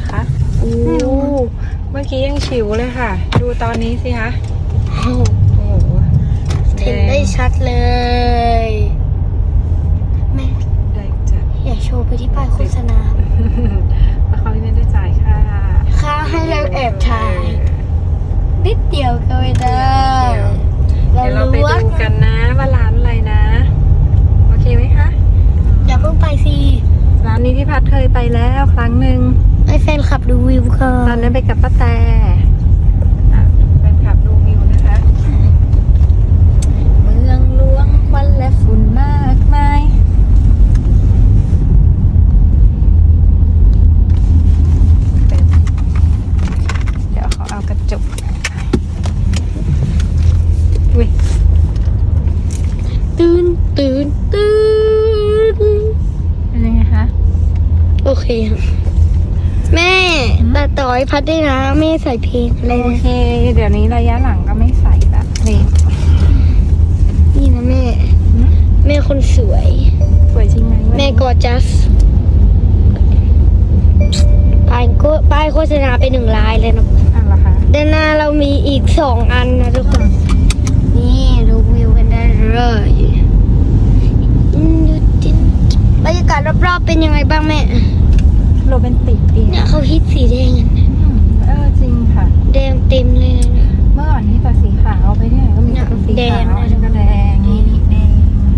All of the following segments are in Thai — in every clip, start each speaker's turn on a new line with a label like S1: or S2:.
S1: คะอู้เมื่อกี้ยังฉิวเลยค่ะ ดูตอนนี้สิคะโอ้โห
S2: เห็นได้ชัดเลยแม่
S1: ได้จัด
S2: อย่าโชว์ไปที่ป้ายโฆษณา
S1: เพราะเขาไม่ได้จ่ายค่า
S2: ให้เราแอบถ่ายนิดเดียวก็ไม่ได้
S1: เดี๋ยวเราไปดูกันนะว่าร้านอะไรนะโอเคไหมคะ
S2: อย่าเพิ่งไปสิ
S1: ร้านนี้พี่พัดเคยไปแล้วครั้งหนึ่ง
S2: ให้แฟนขับดูวิวก่อ
S1: ตอนนั้นไปกับป้าแต่แฟนคลับดูวิวนะคะเมืองหลวงควันและฝุ่นมากมายเดี๋ยวเขาเอากระจกอุ้ย
S2: ตื่นตื่นตื่น
S1: เป็นยังไงคะ
S2: โอเคครับแม่แต่ต่อยพัดได้นะแม่ใส่เพลงอะไร
S1: โอ
S2: นะ
S1: เค เดี๋ยวนี้ระยะหลังก็ไม่ใส่ละนี่
S2: นี่นะแม่ แม่คนสวย
S1: สวยจริงไหม
S2: แม่กอจัสป้ายโฆษณาไป1 ลายเลยนะ
S1: อ่ะเหรอคะ
S2: ด้านหน้าเรามีอีก2 อันนะทุกคน นี่ดูวิวกันได้เลยบรรยากาศรอบๆเป็นยังไงบ้างแม่
S1: โรแมนติกดี
S2: เนี่ยเขาฮิตสีแดงกันนะ
S1: จริงค่ะ
S2: แดงเต็มเลยนะ
S1: เมื่อก่อนนี้แต่สีขาวไปเนี่ยก็มีแต่สี
S2: แด
S1: ขาง ว
S2: นะ
S1: อันนี้ก็แดงนี่แดง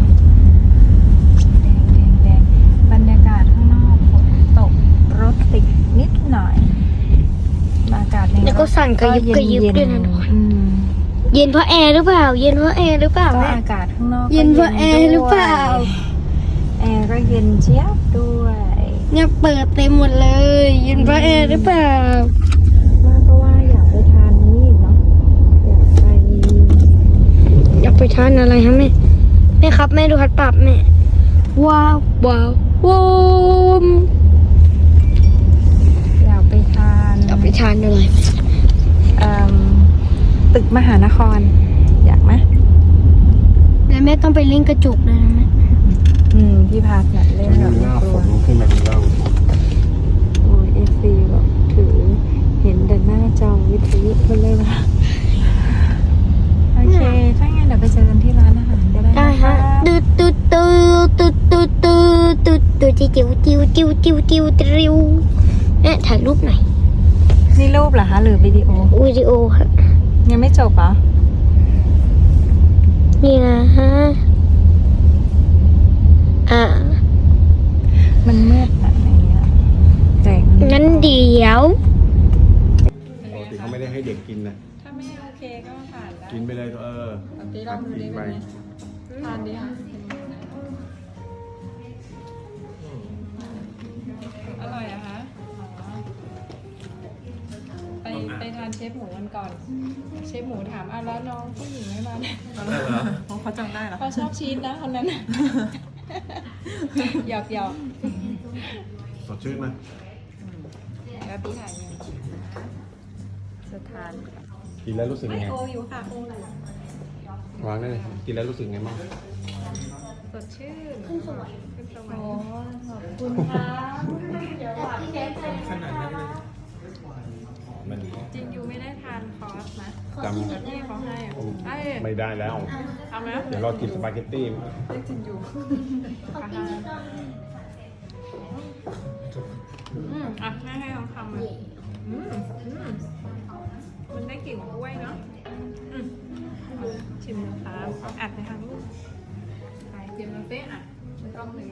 S1: แดงบรรยากาศข้างนอกฝนตกรถติดนิดหน่อยอากาศใน
S2: แล้วก็สั่นกระยิบกระยิบด้วยนะทุกคนเย็นเพราะแอร์หรือเปล่า เย็นเพราะแอร์หรือเปล่า
S1: ก็
S2: แม่
S1: อากาศข้างนอก
S2: เย็นเพราะแอร์หรือเปล่า
S1: แอร์ก็เย็นเจี๊ยบด้วย
S2: เนี่ยเปิดเต็มหมดเลย เย็นเพราะแอร์หรือเปล่า
S1: เพราะว่าอยากไปทานนี้อีกเนาะ
S2: อยากไปทานอะไรฮะแม่แม่ครับแม่ดูฮัดปรับแม่ว้าวว้าวว้าว
S1: อยากไปทาน
S2: อยากไปทานอะไร
S1: ตึกมหานคร อยากไหม
S2: แล้วแม่ต้องไปเล่นกระจกเลยนะแม่
S1: พี่พาสเล่นกับ
S3: หน้า
S1: ค
S3: ฝ
S1: รัวน
S3: ขึ้นมาดูแล้ว
S1: โอ้ยFC บอกถือเห็นแต่หน้าจอวิทยุมันเลยว่าโอเค ถ้างั้นเดี๋ยวไปเจอกันที่ร้านอาหารก็ได้
S2: ได้
S1: นะ
S2: ฮะ
S1: คะ
S2: ตุ๊ดตุ๊ดตุ๊ดตุ๊ดตุ๊ดตุ๊ดตุ๊ดตุ๊ดจิ๋วจิ๋วจิ๋วจิ๋วจิ๋วจิ๋วจิ๋วแม่ถ่ายรูปหน่อย
S1: นี่รูปเหรอคะหรือวิดีโอ
S2: วิดีโอฮะ
S1: ยังไม่จบเหรอ
S2: นี่นะฮะ
S1: มันมืดแบบไหนอ่ะแสง
S2: งั้นเดี๋ยว
S3: ปกติเขาไม่ได้ให้เด็กกินนะ
S1: ถ้าไม่โอเคก็ผ่านแล้ว
S3: กินไปเลย
S1: ลองดูดิ
S3: กินไป
S1: ทานดีค่ะอร่อยอะคะไปทานเชฟหมูกันก่อน เชฟหมูถามแล้วน้องผู้หญิงไม่มาเนี่ย
S4: เพราะเขาจำได้เหรอ
S1: เขาชอบชีสนะคนนั้นน่ะหยอก
S3: สดชื่นไหม
S1: แล้วพี่ถ่ายยังจะทาน
S3: กินแล้วรู้สึก
S1: ไม่
S3: ไง
S1: โออยู่ค่ะโอ
S3: วางได้เลยกินแล้วรู้สึกไงบ้าง
S1: สดชื่นขึ้นสวรรค์โอ้ขอบคุณค่ะ
S4: ขนาดนั้นเลย
S3: มัน
S1: จริงอยู่ไม่ได้ทานคอร์สนะ
S3: จำ
S1: แต่พี่เขาให้ไอ้
S3: ไม่ได้แล้ว
S1: เอาไหม
S3: เดี๋ยวรอกินสปาเกตตี้
S1: จริงอยู่อ่ะแม่ให้ลองทำเลยมันได้กลิ่นกล้วยเนาะชิมนะคะอัดไปทางลูกไปเตรียมน้ำเป๊ะอ่ะไม่ต้องเลย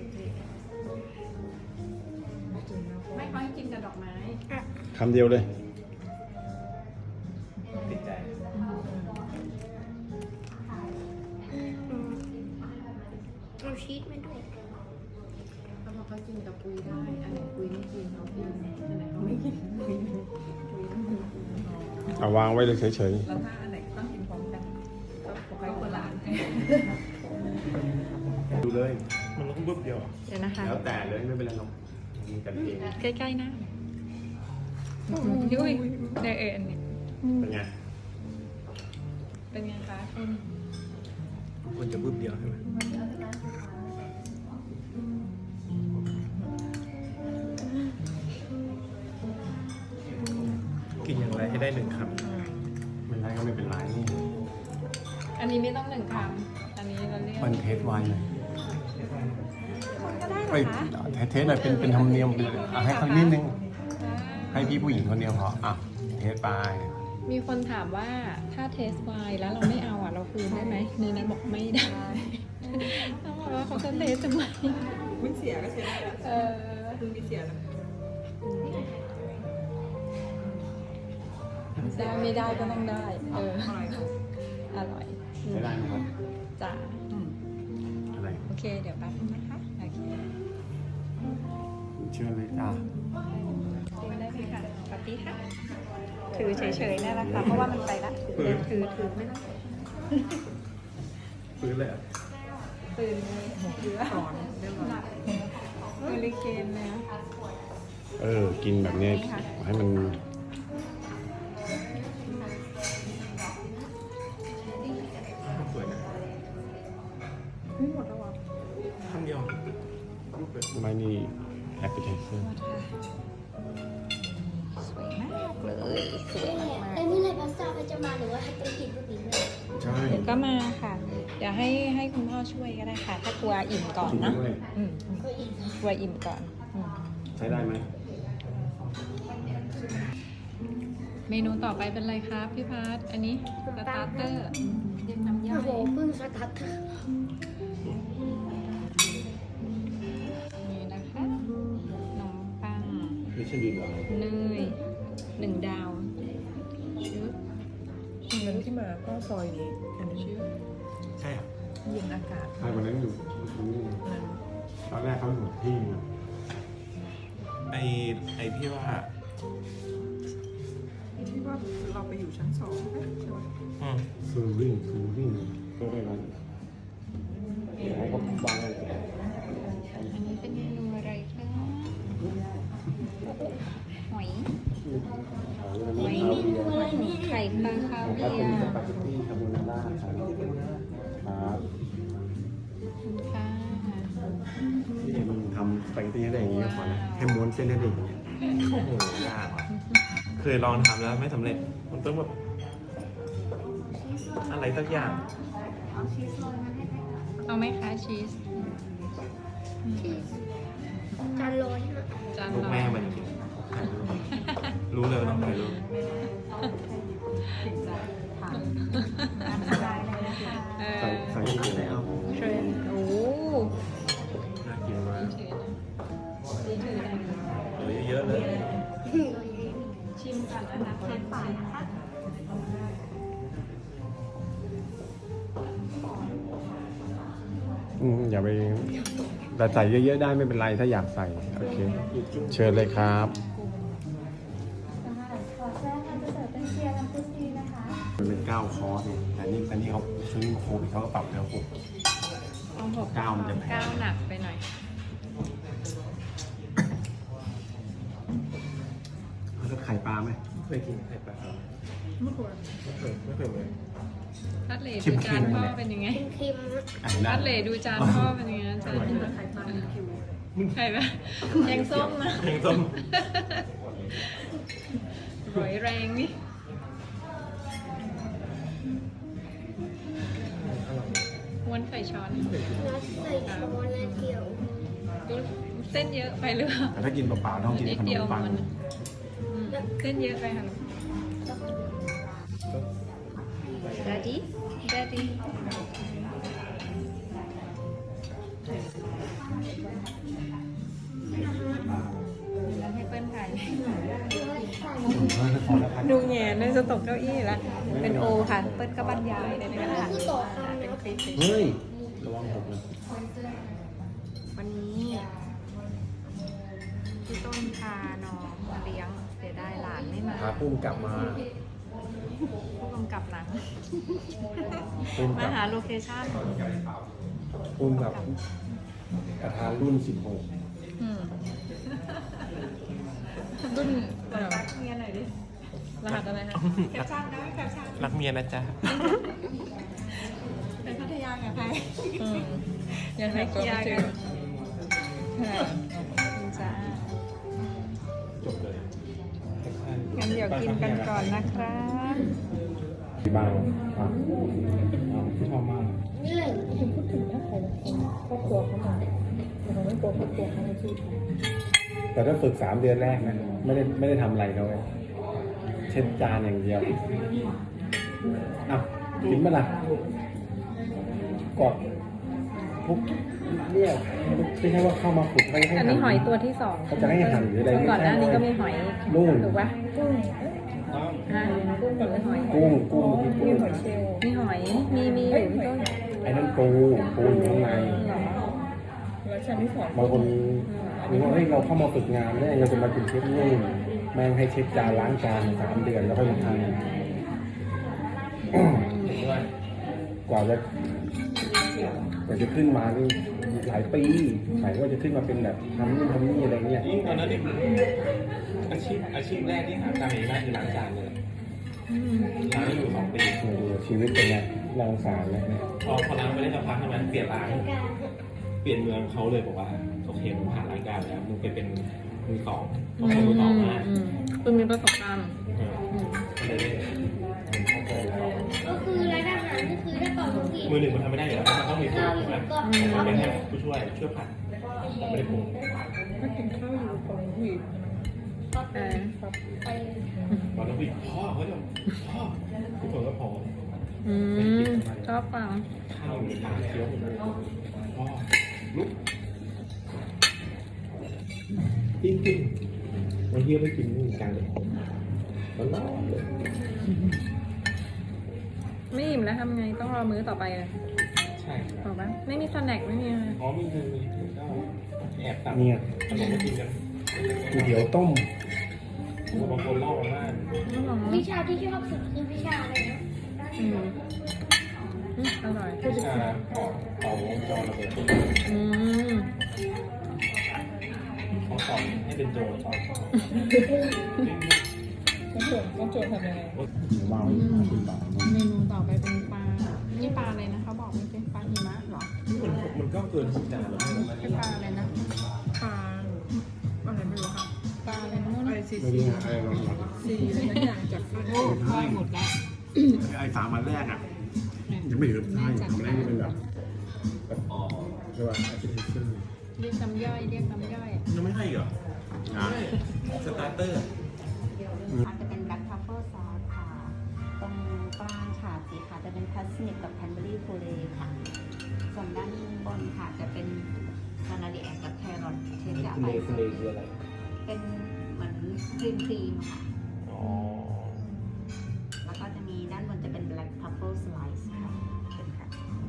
S1: ไม่ค่อยกินกับดอกไม้
S3: คำเดียวเลย
S4: ติดใจ
S2: เอาชีสมาด้วย
S1: เขาบอกเขากินกับปุยได้อันไหนปุยไม่กินเขากินอันไหนเขาไม่กินปุย
S3: เอาวางไว้เลยเฉย
S1: แล้วถ้าอันไหนต้องกินพร้อมกันก็ปกติคนละอัน
S3: ๆดูเลย
S4: มันลงปุ๊บเดียว
S1: เดี๋ยวนะคะ
S3: แล้วแต่เลยไม่เป็นไรหรอกมีกันเอง
S1: ใกล้ๆนะยุ้ยเดี๋ยวอันนี้
S3: เป็นไง
S1: เป็นไงคะ
S4: มันจะปุ๊บเดียวใช่ไหม
S1: อ
S4: กินอย่างไรให้ได้1 ค
S3: ไม่ไรก็ไม่เป็นไรนี่
S1: อันนี้ไม่ต้อง1 คำอันนี้เราเรียก
S3: มันเทสไวน์หน่อย
S1: คนก็ได้เหร
S3: เอ้ย
S1: อคะ
S3: เทสหน่อยเป็นธรรมเนียมไปเลยอ่ะให้เขานิดนึง ให้พี่ผู้หญิงคนเดียวพออ่ะเทสไป
S1: มีคนถามว่าถ้าเทสไวน์แล้วเราไม่เอาอ่ะเราคืนได้ไหมในนั้นบอกไม่ได้เขาบอกว่าเขาจะเทสทำไม
S4: ำไม่เสียก็เสีย
S1: เออ
S4: คือไม่เสียนะ
S1: ได้ไม่ได้ก็ต้องได้ เออ อร่อย
S3: ใช้ได้ไหมครับ
S1: จ้า
S3: อะไร
S1: โอเค เดี๋ยวแป๊บนึงนะคะโอเค
S3: เชื่อเลยจ้า
S1: ดูได้ไหมคะปาร์ตี้ค่ะถือเฉยๆนี่แหละค่ะเพราะว่ามันไปละถือไม่ต้อง
S4: ฟื้นเลยอ่ะ
S1: ตื่นเลยหรือว่าหลับเฮลิเกนเลยนะ
S3: กินแบบเนี้ยให้มัน
S4: สวยนะ
S1: ไม่หมดแล้วอ่ะ
S4: คำเดียวรูปเลย
S3: ไม่นี่แอปเปิลไทเซอร์
S1: สวยมากเลยสวยมาก
S2: ไอ้เมื่อไหร่พาสต้าเขาจะมาหรือว่าให้ต้องกินพวกนี้เลย
S3: ใช่
S1: เดี๋ยวก็มาค่ะ เดี๋ยวให้คุณพ่อช่วยก็ได้ค่ะ ถ้ากลัวอิ่มก่อนนะ
S3: ด้วย
S1: อืม
S2: ก็อีกนะ
S1: กลัวอิ่มก่อนอืม
S3: ใช้ได้ไหม
S1: เมนูต่อไปเป็นอะไรครับพี่พัทอันนี้สตาร์เตอร์เรียกน้ำย่อ
S2: โอ้
S1: ย
S2: โหเพิ่งสตาร์ท
S1: นี่นะคะขนมปัง
S3: ไม่ใช่ดีเหรอ
S1: เนย1 ดาวชึบ
S4: เงินที่มาก็ซอยนี้อันนี้ชื่อ
S3: ใช่ครับ
S4: เย็นอากาศ
S3: ใช่วันนั้นอยู่ตอนแรกเขาอยู่ที่นึง
S4: ไอที่ว่าเราไปอยู่ชั้น 2ใช่ไหม
S3: ฟูริ่งก็ได้วันเดี๋ยวให้เขาวางไว้ก่อน
S1: อันนี้เป็นเมนูอะไรคะหอยหอยไข่ปลาคา
S3: ครั
S1: เวี
S3: บ
S1: ย
S3: เป็นส
S1: ร์
S3: ปาเกตตี้คาโบนาร่าครับครับ
S1: คุณค่ะ
S3: นี่มันทำสปาเกตตี้ให้ได้อย่างนี้ก็พอนะให้ม้วนเส้นให้ได้อย่างนี้
S4: โอ้โหยากว่ะเคยลองทำแล้วไม่สำเร็จ มันต้องแบบอะไรสักอย่าง
S1: เอาไหมคะชีส
S2: จานร้อยนะ
S1: จาน
S4: ลูก
S1: ร้อ
S4: แม่
S1: ย
S4: มันจริงถ่ายรูปรู้เลยว่าต้องถ่ายรูป
S1: เออ
S3: ใส่ที่ไหนเอา
S1: เทรนโอ้
S4: น่ากินมาก
S1: ถือนะนี่ถือนะ
S4: เหลือเยอะเลย
S1: ชิมก่อนนะคะเทสปากนะคะ
S3: อย่าไปแต่ใส่เยอะๆได้ไม่เป็นไรถ้าอยากใส่โอเคเชิญเลยครับ
S2: ขอแจ้งค่ะจะเสิร์ฟเป็นเชียร์น้ำพุชดีนะคะ
S3: มันเป็น9 คอร์สเนี่ยแต่นี่เขาซื้อโควิดเขาก็ปรับแล้ว6
S1: เอาหก
S3: ก้าวมันจะแพง
S1: ก้าวหนักไปหน่อย
S3: แล้วไข่ปลาไหม
S4: เคยกินไข่ปลาไม่เคยเลย
S1: ทัดเหลดูจานพ่อเป็นยังไง
S2: เค็มๆนะ
S3: อันนั้
S1: ทั
S3: น
S1: ดเหลดูจานพ่อเป็นยังไงจานไข่ปลาคิวไข่ปลาแกงส้มนะ
S4: แกงส้ม
S1: ร้อยแรงนี่ ม้วนไข่ช้อน
S2: นัดใส่ช้อนและเกี่ยว
S1: เส้นเยอะไปหรือเปล่า
S3: แต่ถ้ากินเปล่าๆต้องกิน
S1: นิด
S3: ขน
S1: เดีย
S3: ม
S1: ว
S3: ปัง
S1: มันเส้นเยอะไปค่ะดัดดี้ดัดดี้ให้เปิ้ลถ่ายดูแง่เลยจะตกเก้าอี้แล้วเป็นโอค่ะ เปิ้ลก็บรรยายในกระดาษ
S2: คือต่อคำ
S1: เป็น
S2: นะ
S1: คลิปเฉย
S3: เฮ้ยระวังหกนะ
S1: ๆวันนี้พี่ต้นพาน้องมาเลี้ยงเสียดายหลานไม่มา
S3: พาปุ้มกลับมา
S1: ผู้กำกับหนัง
S3: ปุ้ม
S1: มา
S3: กับ
S1: หาโลเคชั่น
S3: ปุ้มกับประธานรุ่น
S1: อืมรุ่นรักเมียหน่อยดิ รหัสอะไรคะแคปชั่นได้ไหมแคปชั่น
S4: รักเมียนะจ๊ะ
S1: เป็นพัทยากับใครยังไม่เคลียร์กันจ้า
S3: 16 จบเลย
S1: งั้นเดี๋ยวกินกันก่อนนะครับ
S3: ที่บ้านที่ชอบมาก
S1: พูดถึงถ้าใครครอบครัวเขามาเราไม่กลัวครอบครัวเขาไม่ช่วย
S3: แต่ถ้าฝึก3 เดือนแรกนะไม่ได้ทำอะไรเลยเช็ดจานอย่างเดียวอ่ะกินเมื่อไหร่กดทุกเนี่ยไม่ใช่ว่าเข้ามาฝึกไม่ให้
S1: อันนี้หอยตัวที่สอง
S3: เขาจะให้หั่นหรืออะไร
S1: ก่อนหน้านี้ก็มีหอย
S3: นู่น
S1: ถูกปะกุ้งกับหอย
S3: กุ้ง
S1: มีหอยเชลล์มีหอยมีอยู่ที่ต้น
S3: ไอ้นั่นปูอยู่ข้างใน
S1: หรอแล้วชั้นที่สอง
S3: บางคนนึกว่าเฮ้ยเราเข้ามาฝึกงานแล้วเราจะมาเป็นเชฟนู่นแม่งให้เช็ดจานล้างจาน3 เดือนแล้วก็มาทำกว่าจะขึ้นมานี่หลายปีหมายว่าจะขึ้นมาเป็นแบบทำนู่นทำนี่อะไรเงี้ย
S4: ยิ่งตอนนั้นนี่อาชีพแรกที่หาตังค์ได้คือล้างจานเลยล้างอยู่2 ปี
S3: ชีวิตเป็นไงน่าสงสารเลย
S4: พอล้างไปได้สักพักใช่ไหมเปลี่ยนร้านเปลี่ยนเมืองเขาเลยบอกว่าโอเคมึงผ่านรายการแล้วมึงไปเป็นมือสองเขาเป็นมือสองมา
S1: คือมีประสบการณ์
S4: ก็เลยได้
S2: ก็คือร้านอาหารก็คือถ้าเป่าลูกหวีด
S4: มือหนึ่งมันทำไม่ได้อยู่แล้วมันต้องมีผู้
S2: ข้าวอ
S4: ใช่
S2: ยู่
S4: ไหม
S2: ก่อน
S4: มันเป็นแค่ผู้ช่วยผัดแต่ไม่ได้ปรุง
S1: ถ้ากินข้าวอยู่ตรงหุย
S2: ไป
S4: ตอนนั้นพี่พ่อเขาจะพ่อทุกคนก็พอ
S1: ชอบฟัง
S4: ข้าวอยู่ในปากเคี้ยวหมดเลยพ่อลุกจริงๆวันเที่ยวไปกินนู่นกลางเลยมันร้อนเลย
S1: ไม่อิ่มแล้วทำไงต้องรอมื้อต่อไปเลย
S4: ใช่ค
S1: บ
S4: รั
S1: อบ กปะไม่มีสแน็คไม่มีอะไร
S4: อ๋อมีก็แอบตัด
S3: เนี่ย
S4: ขนมมากินกัน
S3: ก๋วยเตี๋ยวต้ม
S4: บางคนเล่ามา
S1: ไม่หรอ
S2: วิชาที่ชอบสุดคือวิชาอะไรนะ
S1: อร่อย
S4: วิชาเป่าวงจรระเบิด เขาสอนให้เป็นโจรสอน
S1: ต้องโจทย์ทำยังไง
S3: วางไว้50 บาท
S1: เมนูต่อไปเป็นปลา นี่ปลาอะไรนะเขาบอกไม่เป็นปลาหิมะหรอ
S4: มันก็เกินทุกจานแล้ว
S1: เป็นปลาอะไรนะ ปลาอะไรไม่รู้ค่ะปลาอะไรนะนู่นอะไรซี
S3: ไม่รู้นะอะไรลอง
S1: ซีอะไรสักอย่างจากโอ้ค่อยหมดแล้ว
S3: ไอ้3 วันแรกอ่ะยังไม่ถึงท้ายทำอะไรนี่เป็นแบบใช่ป่ะอาชีพเชื่อ
S1: เรียกน้ำย่อยเรียกน้ำย่อย
S4: ยังไม่ให้เหรอ
S3: นะ
S4: สตาร์เตอร์
S5: อาจจะเป็นแบล็คทรัฟเฟิลซอสค่ะ ตรงกลางค่ะสีค่ะจะเป็นพัสนิกกับแคนเบอรี่ฟูเรค่ะ ส่วนด้านบนค่ะจะเป็นคานาดีแอกกับแครอทเชฟจะเอาไป
S4: คืออะไร
S5: เป็นเหมือนครีมค่ะ
S4: อ๋อ
S5: แล้วก็จะมีด้านบนจะเป็นแบล็คทรัฟเฟิลสไลซ์ค่ะเป็นค่ะ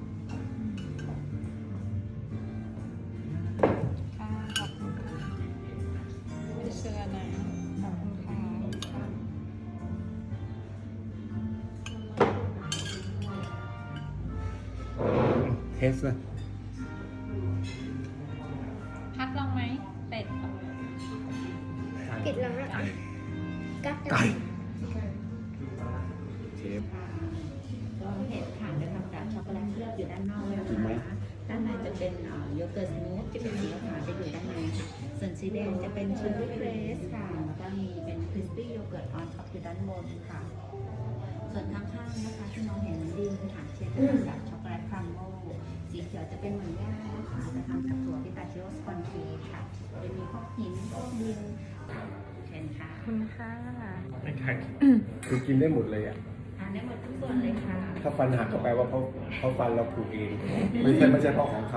S1: ค่ะขอบคุณค่ะไม่เชื่อนะขอบคุณค่ะ
S3: เทสนะ
S1: พักลองไหมเป็ด
S2: ปิดแล้วนะกัด
S3: ไก่เชฟ
S5: ก็เห็ดค่ะจะทำจากช็อกโกแลตเคลือบอยู่ด้านนอกนะ
S3: จริงไหม
S5: คะด้านในจะเป็นโยเกิร์ตสมูทจะเป็นสีขาวจะอยู่ด้านในค่ะ ส่วนสีแดงจะเป็นเชอร์รี่เกรสค่ะ แล้วก็มีเป็นคริสปี้โยเกิร์ตออนท็อปอยู่ด้านบนค่ะ ส่วนข้างๆนะคะที่น้องเห็นดินค่ะเชฟจะทำจากช็อกโกแลตครัมโบสีเขียวจะเป็นเหมือนย่านะคะจะทำจากถั่วพิตาชิโอสปอนเค้กค่ะจะมีพวกหินพวกดินเช่นค่ะ
S1: ขอบคุณค่ะ
S4: ไม่ใช่
S3: คือกินได้หมดเลยอ่ะ
S5: ทานได้หมดทุกส่วนเลยค่ะ
S3: ถ้าฟันหักก็แปลว่าเขาฟันเราผูกเอง ไม่ใช่เพราะของเขา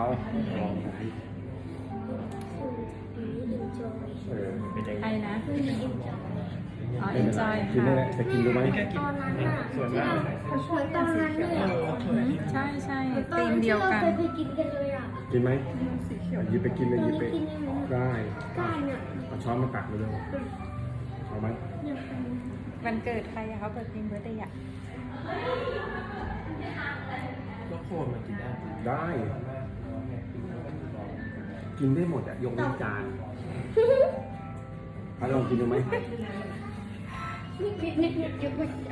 S3: เออ
S1: ใครนะ อ๋อ
S3: ไม่เป็นไร
S1: enjoy
S3: กินได้
S1: ค่ะ
S3: แหละจะกินดูไหม
S2: ตอนนั้นอ่ะที่เราเหมือนตอนนั้นเลยอ่ะ
S1: ใช่ใช่
S2: ตอน
S1: ตีม
S2: นั้น
S1: เดี
S2: ที่
S1: ยว
S2: เรา
S1: กัน
S2: เคยกินกันเลยอ่ะ
S3: กินไหมหยิบไปกินเลยหยิบไป
S2: กินได้ไหม
S3: ได้
S2: ก้านอ่ะ
S3: เอาช้อนมาตักเลยเลยเอาไหม
S1: วันเกิดใครอะเขาเปิดเพลงเบอร์เดย์อะ
S4: แล้วโคนมันกินได้
S3: ได้ กินได้หมดอะยกเว้นจานไปลองกินดูไหม
S2: นิดยุบ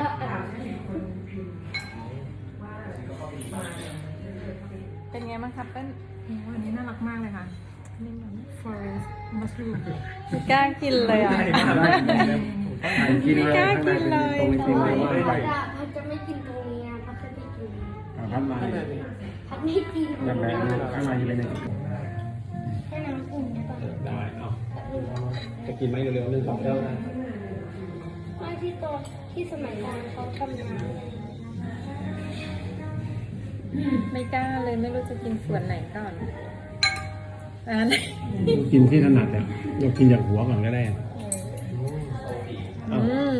S1: เป็นไงบ้างครับเปิ้ลวันนี้น่ารักมากเลยค่ะนี่มัน forest mushroom ไม่กล้ากินเลยอ่ะ
S3: ได้กินเลยข้างในตรงนี้กินเลยว่าไป
S2: พัดจะไม่กินตรงนี้นะพัดจะไม่กิน
S3: พัดมา
S2: พัดไม่กิน
S3: แบบข้างในเป็นไง
S2: แค่น้ำอุ่นใช่ปะ
S3: ได้เอาจะกินไหมเร็วๆ1 2 แก้วนะ
S2: ไม่ที่ตอนที่สมัยก่อนเขาทำน้
S1: ไม่กล้าเลยไม่รู้จะกินส่วนไหนก่อนอัน
S3: กินที่ถนัดเนี่ยเรากินจากหัวก่อนก็ได้
S1: อืม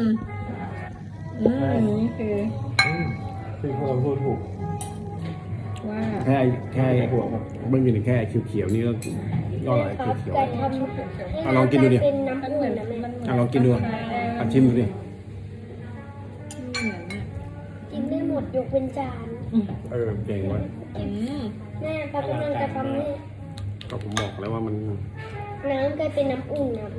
S1: นี่คือ
S3: คือพวกเราพูดถูก
S1: ว่า
S3: แค่หัวเบื้องอยู่แค่เขียวๆนี่ก็อร่อย
S2: ำครับ
S3: เขียว
S2: ไก่ทำ
S3: เอาลองกินดูดิ
S2: เป็นน้ำ
S1: มัน
S2: อุ่
S1: เหมื
S2: น
S1: อน
S2: นะแม่
S1: มัน
S3: ๆลองกินดูชิมดูดิ
S1: เหมือนอ่ะ
S2: กินได้หมดยกเป็นจาน
S3: เก่งว่ะ
S2: แม่พัดกำลังจะทำให้
S3: ก็ผมบอกแล้วว่ามัน
S2: น้ำกลายเป็นน้ำอุ่นนะแม่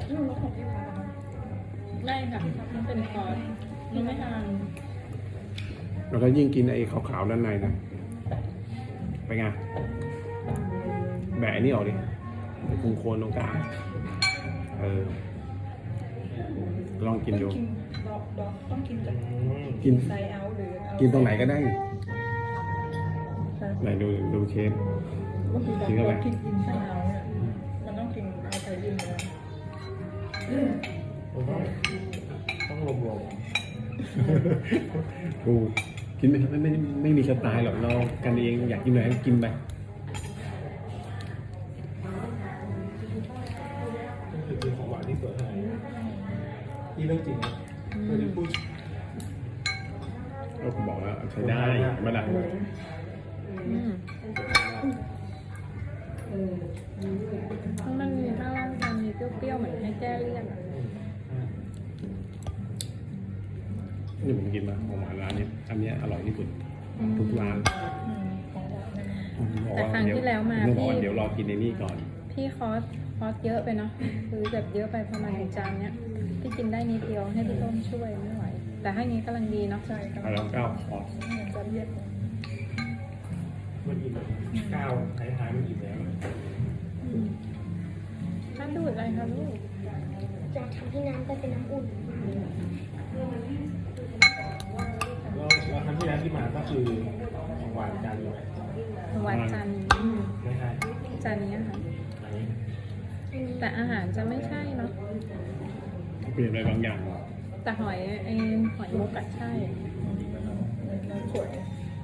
S1: ได้ค่ะมันเป็นคอร์สมันไม่ทาน
S3: เราก็ยิ่งกินไอ้ขาวๆด้านในนะไปไงแบะนี่ออกดิไอ้โคนตรงกลางลองกินดู
S1: ต้องกินจาก
S3: กิน
S1: ไซเอาหรือเอา
S3: กินตรงไหนก็ได้ไหนดูเชฟ กินเข้าไป
S1: กินไซเอาเนี่ยมันต้องกินเอาไซอินเลย
S4: ต้องรวม
S3: กูกินไม่มีสไตล์หรอกเรากันเองอยากกินอะไรก็กินไป
S4: ๆนี่คือของหวานที่สวยขนาดนี้ที่เรื่องจริงนะไม่ได้พูด
S3: ก็ผมบอกแล้วใช้ได้ไม่ได้
S1: มันมีข้างล่างมันมีเปรี้ยวๆเหมือนให้แก้เลี่ยนอะ
S3: นี่ผมกินมาของหวานร้านนี้อันนี้อร่อยที่สุดทุกร้าน
S1: แต่ครั้งที่แล้วมา
S3: ต้องบอก
S1: พี่
S3: ว่าเดี๋ยวรอกินในนี่ก่อน
S1: พี่คอสเยอะไปเนาะคือแบบเยอะไปประมาณจานเนี้ยพี่กินได้นิดเดียวให้พี่ต้มช่วยไม่ไหว แต่ให้นี้กำลังดีเนาะใช่
S3: เอาแล้วก้าวออก
S1: จะเย็น
S4: มันอิ่มก้าวท้ายๆมันอิ่มแล้ว
S1: ท่านดูดอะไรคะลูก
S2: จะทำให้น้ำกลายเป็นน้ำอุ่น
S4: แล้วครั้งที่แล้วที่มาก็คือของหวานจานเดียว
S1: หวานจานนี้
S4: ไม่ใช่
S1: จานนี้ค่ะ
S4: อันนี้
S1: แต่อาหารจะไม่ใช่เนาะ
S3: เปลี่ยนอะไรบางอย่าง
S1: แต่หอยมุกอะใช่สวย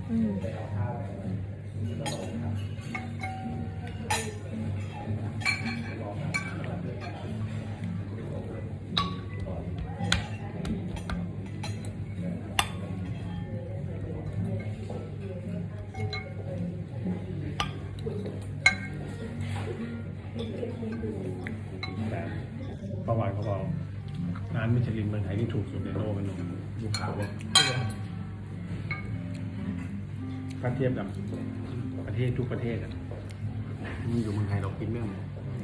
S3: แต่ประวัติเขาบอกร้านมิชลินเมืองไทยที่ถูกสุดในโลกเป็นลูกขาวเลยถ้าเทียบกับประเทศทุกประเทศอ่ะมันอยู่เมืองไทยเรากินไม่หมด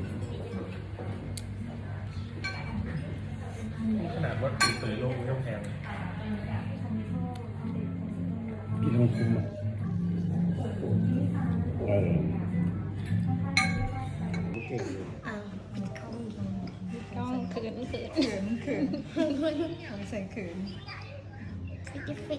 S4: ขนาดว่าตีเตยโลกมันก็แพง
S3: กินแล้วมันคุ้มอ่ะเก่ง
S1: ต้องเขินใส่เขิน
S2: ฟิก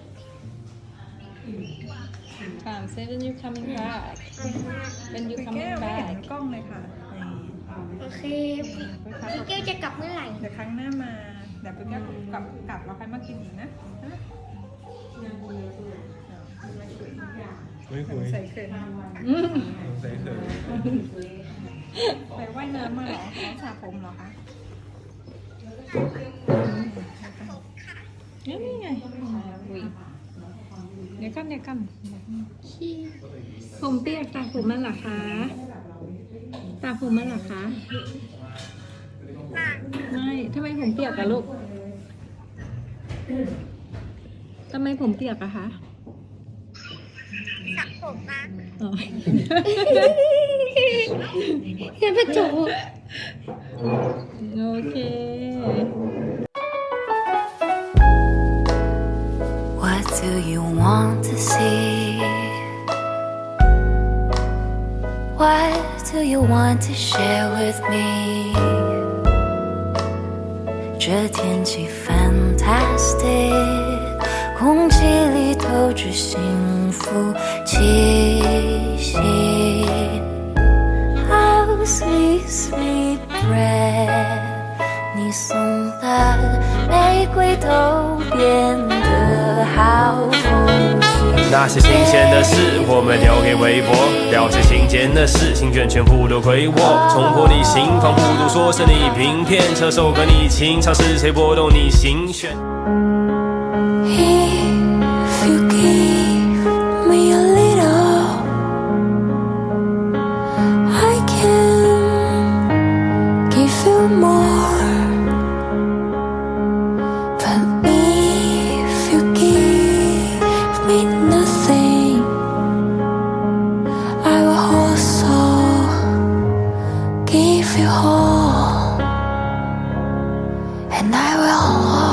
S1: say when you coming back when you coming back
S6: กล้องเลยค่ะ
S2: โอเคพี่เกลจะกลับเมื่อไหร่
S6: เดี๋ยวครั้งหน้ามาเดี๋ยวพี่แก้วกลับเราใครมากินอีกนะ
S4: ไม่คุย
S6: ใส่เขิน
S4: ใส่เถอะ
S6: ไปว่ายน้ำมาเหรอน้องสระผมเหรอคะ
S1: นี่ไงเดี๋ยวกันผมเปียกตากผมมันเหรอคะตากผมมันเหรอคะไม่ทำไมผมเปียกอะลูกทำไมผมเปียกอะคะ
S2: สระผมมา
S1: อ๋อ
S2: เห็นประจู
S1: โอเค
S7: What do you want to see? What do you want to share with me? 这天气 fantastic， 空气里透着幸福气息。How sweet sweet breath， 你送的玫瑰都变得好风趣。
S8: 那些新鲜的事，我们留给微博；了解新鲜的事，心卷全部都归我。冲破你心防，不如说是你平片，这首歌你情，尝试谁拨动你心弦。
S7: If you give me a little, I can give you more.But if you give me nothing, I will also give you all, and I will